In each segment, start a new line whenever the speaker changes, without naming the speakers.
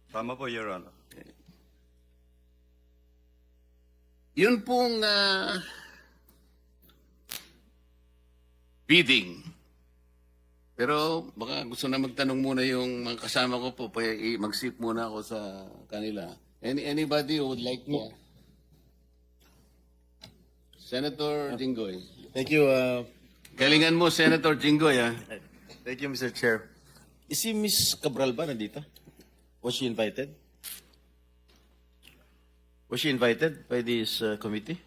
Tama po, Your Honor.
Yun pong bidding. Pero baka gusto na magtanong muna yung mga kasama ko po, mag-sip muna ako sa kanila. Anybody who would like to? Senator Jinggoy.
Thank you.
Galingan mo, Senator Jinggoy, ha?
Thank you, Mr. Chair. Is si Miss Cabral ba nandito? Was she invited? Was she invited by this committee?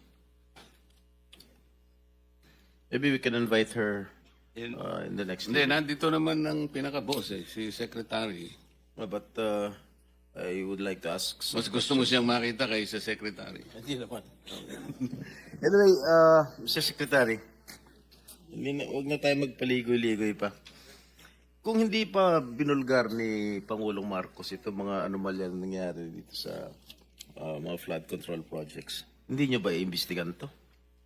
Maybe we can invite her in the next
Hindi,
meeting.
nandito naman ang pinaka-boss, si Secretary.
But I would like to ask.
Mas gusto mo siyang makita kaysa Secretary.
Hindi naman. Anyway, Mr. Secretary, huwag na tayo magpaligoy-ligoy pa. Kung hindi pa binulgar ni Pangulong Marcos itong mga anomalya na nangyari dito sa mga flood control projects, hindi nyo ba iimbestigan to?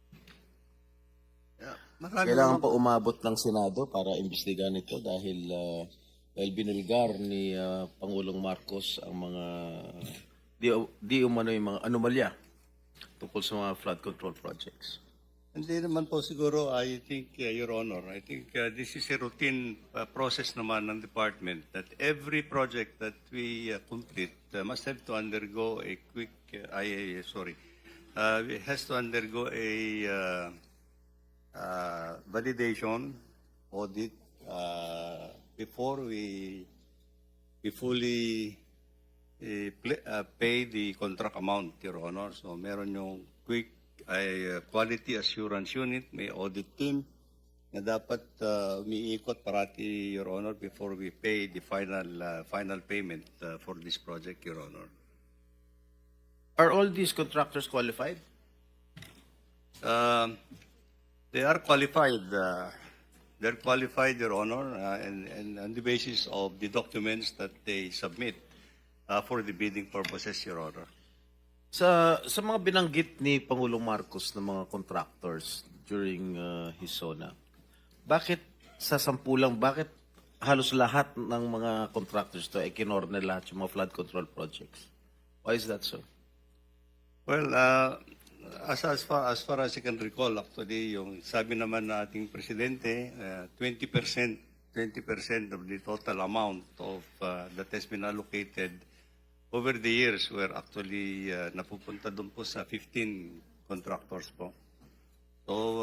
Kailangan pa umabot ng Senado para imbestigan ito dahil binulgar ni Pangulong Marcos ang mga di umano yung mga anomalya tungkol sa mga flood control projects.
Hindi naman po siguro, I think, Your Honor, I think this is a routine process naman ng department that every project that we complete must have to undergo a quick, it has to undergo a validation audit before we fully pay the contract amount, Your Honor. So meron yung quick quality assurance unit, may audit team na dapat umiikot parati, Your Honor, before we pay the final payment for this project, Your Honor.
Are all these contractors qualified?
They are qualified. They're qualified, Your Honor, and on the basis of the documents that they submit for the bidding purposes, Your Honor.
Sa mga binanggit ni Pangulong Marcos ng mga contractors during his SONA, bakit sa sampulang, bakit halos lahat ng mga contractors to ay kinorner lahat yung mga flood control projects? Why is that so? Well,
As far as I can recall, actually, yung sabi naman na ating presidente, 20% of the total amount of that has been allocated over the years were actually napupunta doon po sa 15 contractors po. So,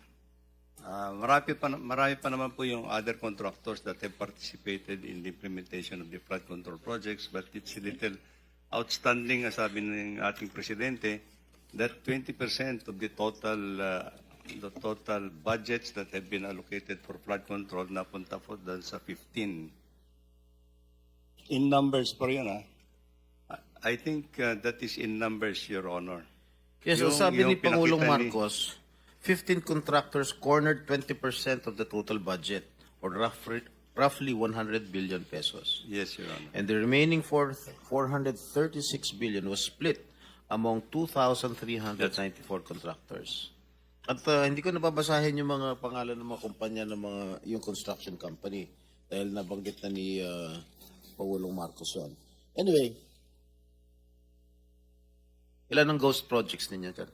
marami pa naman po yung other contractors that have participated in the implementation of the flood control projects, but it's a little outstanding, as sabi ng ating presidente, that 20% of the total budgets that have been allocated for flood control napunta po doon sa 15. In numbers po yun, ha? I think that is in numbers, Your Honor.
yes, so sabi ni Pangulong
pinakita
Marcos, 15 contractors cornered 20% of the total budget, or roughly 100 billion pesos.
Yes, Your Honor.
And the remaining 436 billion was split among 2,394 contractors. At hindi ko nababasahin yung mga pangalan ng mga kumpanya ng mga yung construction company dahil nabanggit na ni Pangulong Marcos yun. Anyway, ilan ang ghost projects ninyo dyan?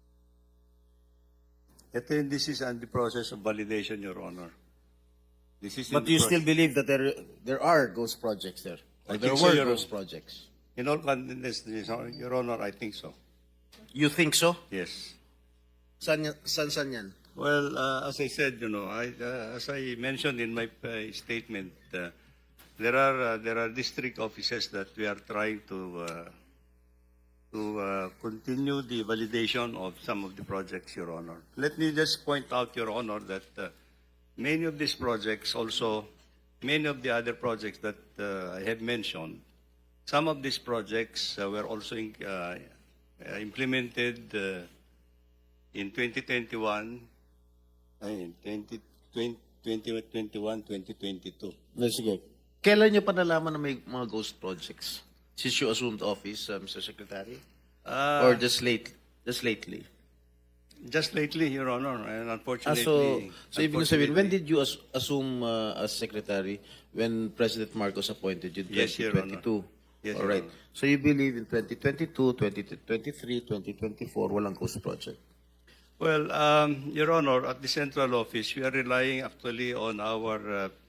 This is on the process of validation, Your Honor. This is
But you still believe that there are ghost projects there? Or there were ghost projects?
In all candidness, Your Honor, I think so.
You think so?
Yes.
San yan?
Well, as I said, as I mentioned in my statement, there are district offices that we are trying to continue the validation of some of the projects, Your Honor. Let me just point out, Your Honor, that many of these projects also, many of the other projects that I have mentioned, some of these projects were also implemented in 2021, 2022.
Sige. Kailan nyo pa nalaman na may mga ghost projects? Since you assumed office, Mr. Secretary? Or just lately?
Just lately, Your Honor, and unfortunately.
So ibig sabihin, when did you assume as Secretary when President Marcos appointed you in
Yes, Your
2022?
Yes,
All
Your
right.
Honor.
So you believe in 2022, 2023, 2024, walang ghost project?
Well, Your Honor, at the central office, we are relying actually on our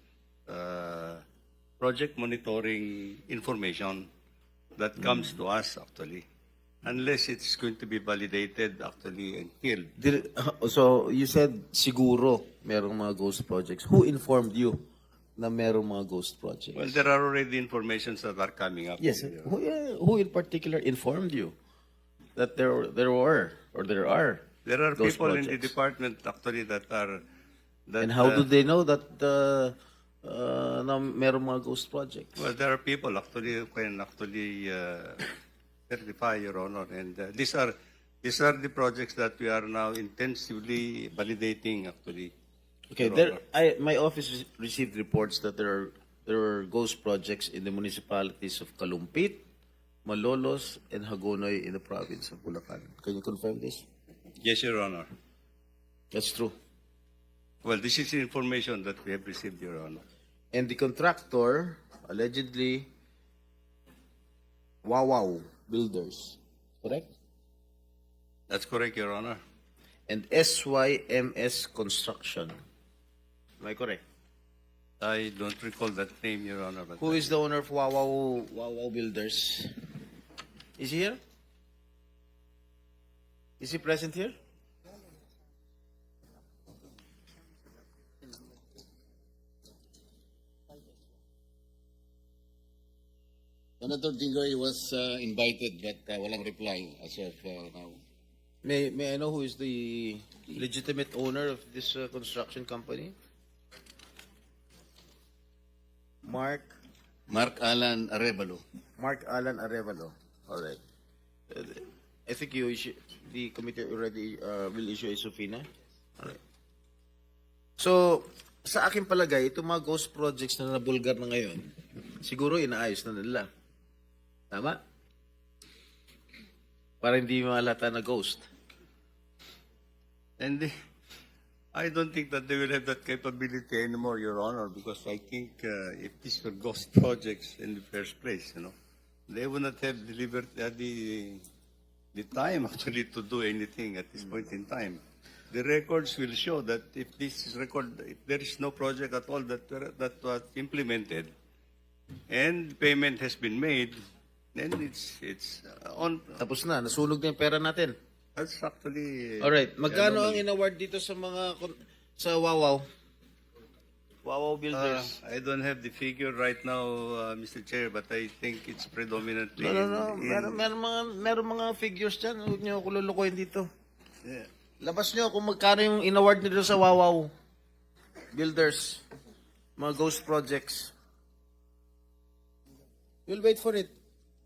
project monitoring information that comes to us actually, unless it's going to be validated actually and killed.
So you said siguro merong mga ghost projects. Who informed you na merong mga ghost projects?
Well, there are already informations that are coming up.
Yes.
Your Honor.
Who in particular informed you that there were or there are
There are
ghost
people in the
projects?
department actually that are that.
And how do they know that na merong mga ghost projects?
Well, there are people actually who can actually certify, Your Honor, and these are the projects that we are now intensively validating actually.
Okay,
Your Honor.
my office received reports that there are ghost projects in the municipalities of Kalumpit, Malolos, and Hagonoy in the province of Bulacan. Can you confirm this?
Yes, Your Honor.
That's true.
Well, this is the information that we have received, Your Honor.
And the contractor, allegedly, Wawaw Builders, correct?
That's correct, Your Honor.
And SYMS Construction. Am I correct?
I don't recall that name, Your Honor. But
Who is the owner of Wawaw Builders? Is he here? Is he present here?
Senator Dingoy was invited but walang reply as of now.
May I know who is the legitimate owner of this construction company? Mark
Mark Alan Arevalo.
Alan Arevalo. All right. I think the committee already will issue a subpoena. All right. So, sa akin palagay, itong mga ghost projects na nabulgar na ngayon, siguro inaayos na nila. Tama? Para hindi malata na ghost.
And I don't think that they will have that capability anymore, Your Honor, because I think if these were ghost projects in the first place, they would not have delivered the time actually to do anything at this point in time. The records will show that if there is no project at all that was implemented, and payment has been made, then it's on.
Tapos na, nasunog na yung pera natin.
That's actually.
Alright, magkano ang
anomaly.
in-award dito sa sa Wawaw? Wawaw Builders.
I don't have the figure right now, Mr. Chair, but I think it's predominantly.
No. Meron mga figures dyan. Huwag niyo ako lulukoyin dito.
Yeah.
Labas niyo kung magkano yung in-award nito sa Wawaw Builders. Mga ghost projects. We'll wait for it.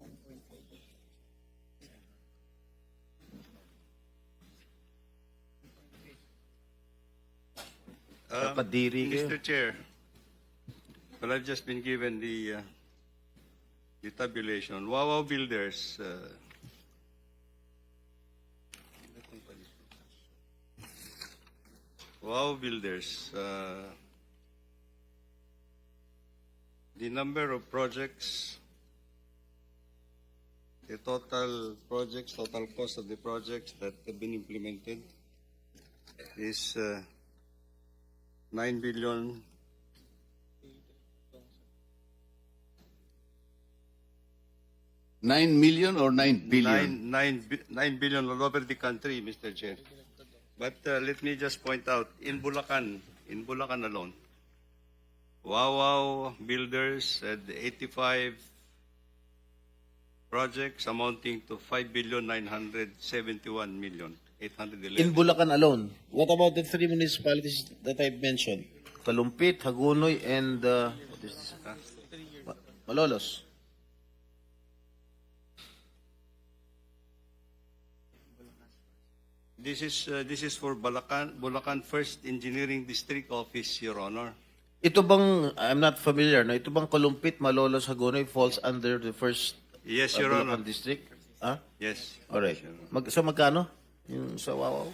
Kadiri kayo.
Mr. Chair, well, I've just been given the tabulation. Wawaw Builders. Wawaw Builders. The number of projects, the total projects, total cost of the projects that have been implemented is 9 billion.
9 million or 9 billion?
9 billion all over the country, Mr. Chair. But let me just point out, in Bulacan alone, Wawaw Builders had 85 projects amounting to 5,971,811,000.
In Bulacan alone. What about the three municipalities that I've mentioned? Kalumpit, Hagonoy, and what is this? Malolos.
This is for Bulacan First Engineering District Office, Your Honor.
Ito bang, I'm not familiar, no? Ito bang Kalumpit, Malolos, Hagonoy falls under the first
Yes, Your
Bulacan
Honor.
district? Ah?
Yes.
Alright.
Yes, Your Honor.
So magkano? Yung sa Wawaw?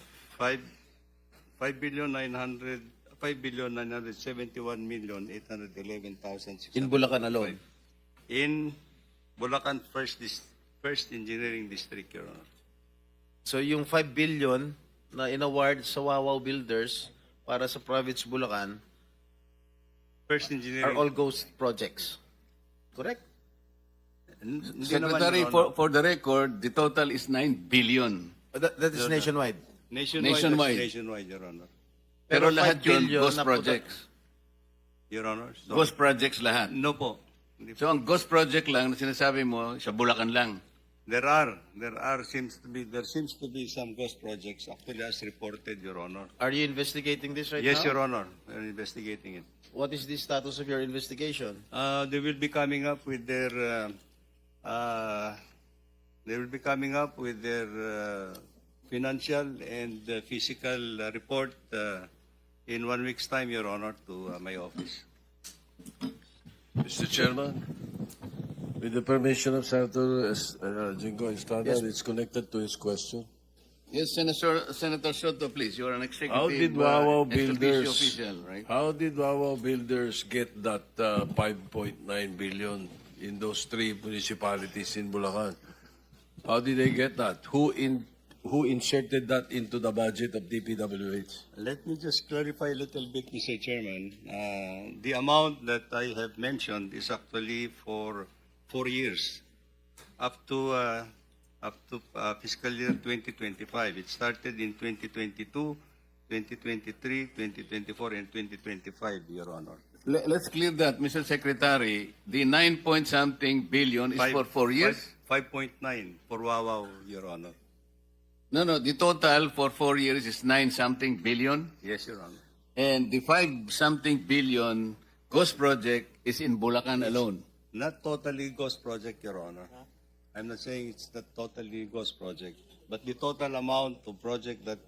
5,971,811,600.
In Bulacan alone.
In Bulacan First Engineering District, Your Honor.
So yung 5 billion na inaward sa Wawaw Builders para sa province Bulacan
First
are
Engineering.
all ghost projects. Correct?
Hindi naman,
Secretary,
Your Honor.
for the record, the total is 9 billion.
That is nationwide.
Nationwide. Nationwide, Your Honor.
Pero
Pero
lahat
5
yun,
billion
ghost
na
projects.
Your Honor. So,
Ghost projects lahat.
no po. Hindi po.
So ang ghost project lang na sinasabi mo, sa Bulacan lang.
There seems to be some ghost projects actually as reported, Your Honor.
Are you investigating this right
Yes,
now?
Your Honor. We're investigating it.
What is the status of your investigation?
They will be coming up with their financial and physical report in 1 week's time, Your Honor, to my office.
Mr. Chairman, with the permission of Senator Jingo Estrada, it's connected to his question.
Yes, Senator Soto, please. You are an executive
How did Wawaw
ex officio
Builders?
official, right?
How did Wawaw Builders get that 5.9 billion in those 3 municipalities in Bulacan? How did they get that? Who inserted that into the budget of DPWH?
Let me just clarify a little bit, Mr. Chairman. The amount that I have mentioned is actually for 4 years, up to fiscal year 2025. It started in 2022, 2023, 2024, and 2025, Your Honor.
Let's clear that, Mr. Secretary. The 9-point-something billion is for 4 years?
5.9 for Wawaw, Your Honor.
No, the total for 4 years is 9-something billion.
Yes, Your Honor.
And the 5-something billion ghost project is in Bulacan alone.
Not totally ghost project, Your Honor. I'm not saying it's not totally ghost project, but the total amount of project that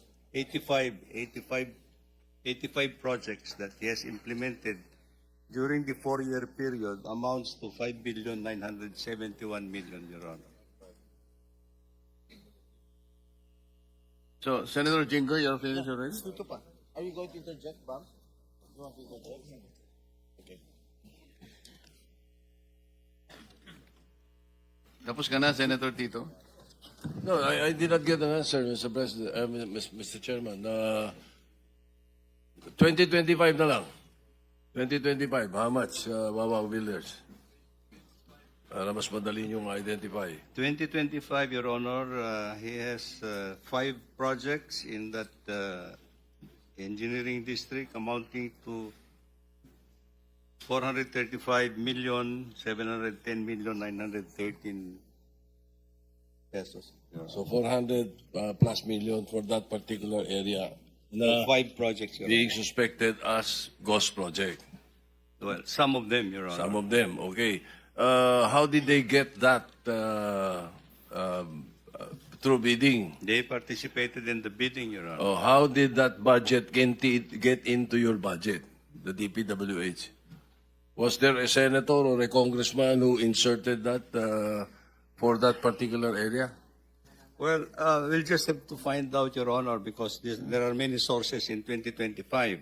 85 projects that he has implemented during the 4-year period amounts to 5,971,000,000, Your Honor.
So, Senator Jingo, you're finished already?
Dito pa. Are you going to interject, Bam? You want to interject? Okay.
Tapos ka na, Senator Tito?
No, I did not get an answer, Mr. President, Mr. Chairman. 2025 na lang. 2025, how much, Wawaw Builders? Para mas madali niyong identify.
2025, Your Honor, he has 5 projects in that engineering district amounting to 435,710,913 pesos. Your Honor.
So 400 plus million for that particular area na
5 projects, Your
being
Honor.
suspected as ghost project.
Well, some of them, Your Honor.
Some of them, okay. How did they get that through bidding?
They participated in the bidding, Your Honor.
Oh, how did that budget get into your budget, the DPWH? Was there a senator or a congressman who inserted that for that particular area?
Well, we'll just have to find out, Your Honor, because there are many sources in 2025.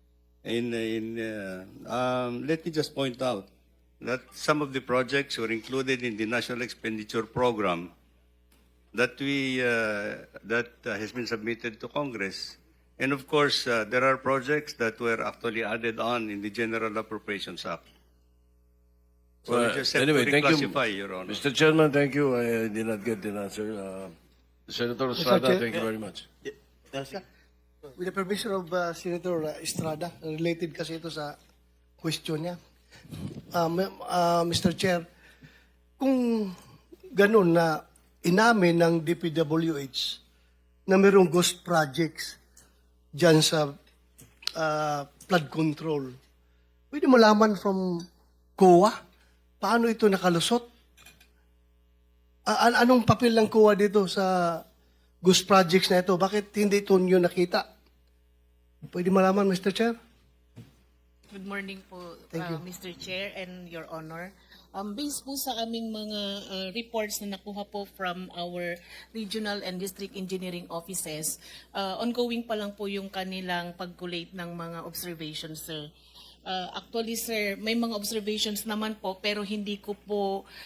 Let me just point out that some of the projects were included in the National Expenditure Program that has been submitted to Congress. And of course, there are projects that were actually added on in the General Appropriations Act. So we just have
anyway,
to
thank you,
reclassify, Your Honor.
Mr. Chairman. Thank you. I did not get the answer. Senator Estrada,
Chair,
thank you very much.
Yes.
With the permission of Senator Estrada, related kasi ito sa question niya. Mr. Chair, kung ganun na inamin ng DPWH na mayroong ghost projects dyan sa flood control, pwede malaman from COA paano ito nakalusot? Anong papel ng COA dito sa ghost projects na ito? Bakit hindi ito nyo nakita? Pwede malaman, Mr. Chair?
Good morning po,
Thank you.
Mr. Chair and Your Honor. Based po sa aming mga reports na nakuha po from our regional and district engineering offices, ongoing pa lang po yung kanilang pag-collate ng mga observations, sir. Actually, sir, may mga observations naman po pero hindi ko po